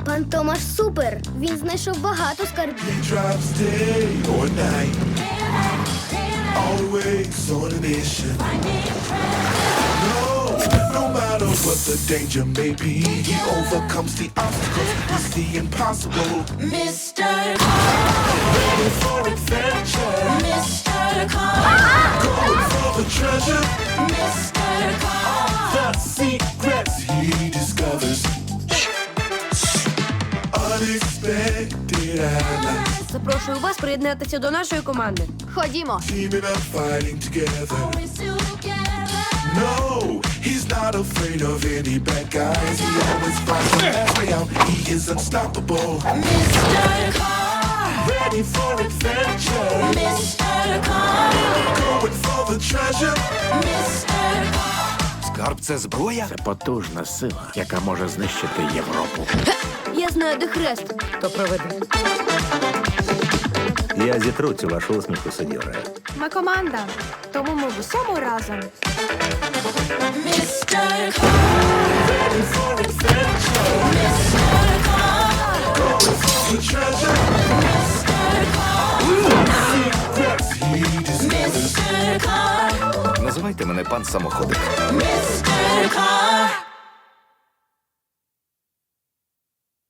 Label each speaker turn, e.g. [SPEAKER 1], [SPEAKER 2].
[SPEAKER 1] Пан Томаш супер. Він знайшов багато скарбів.
[SPEAKER 2] Drops day or night, always on a mission. No matter what the danger may be, he overcomes the obstacles. He's the impossible.
[SPEAKER 3] Mr. Car,
[SPEAKER 2] Ready for adventure,
[SPEAKER 3] Mr. Car,
[SPEAKER 2] going for the treasure.
[SPEAKER 3] Mr. Car.
[SPEAKER 2] The secrets he discovers. Unexpected allies,
[SPEAKER 4] Запрошую вас приєднатися до нашої команди.
[SPEAKER 5] Ходімо.
[SPEAKER 2] teaming up, fighting together.
[SPEAKER 3] Always together.
[SPEAKER 2] No, he's not afraid of any bad guys. He always finds the best way out. He is unstoppable.
[SPEAKER 3] Mr. Car,
[SPEAKER 2] Ready for adventure,
[SPEAKER 3] Mr. Car,
[SPEAKER 2] going for the treasure.
[SPEAKER 3] Mr. Car.
[SPEAKER 6] Скарб — це зброя?
[SPEAKER 7] Це потужна сила, яка може знищити Європу.
[SPEAKER 4] Я знаю, де хрест. То проведе.
[SPEAKER 6] Я зітру цю вашу усмішку, сеньоре.
[SPEAKER 5] Ми команда, тому ми в усьому разом.
[SPEAKER 3] Mr. Car,
[SPEAKER 2] Ready for adventure,
[SPEAKER 3] Mr. Car,
[SPEAKER 2] going for the treasure.
[SPEAKER 3] Mr. Car,
[SPEAKER 2] Secrets he discovers.
[SPEAKER 3] Mr. Car,
[SPEAKER 6] Називайте мене пан самоходик.
[SPEAKER 3] Mr. Car.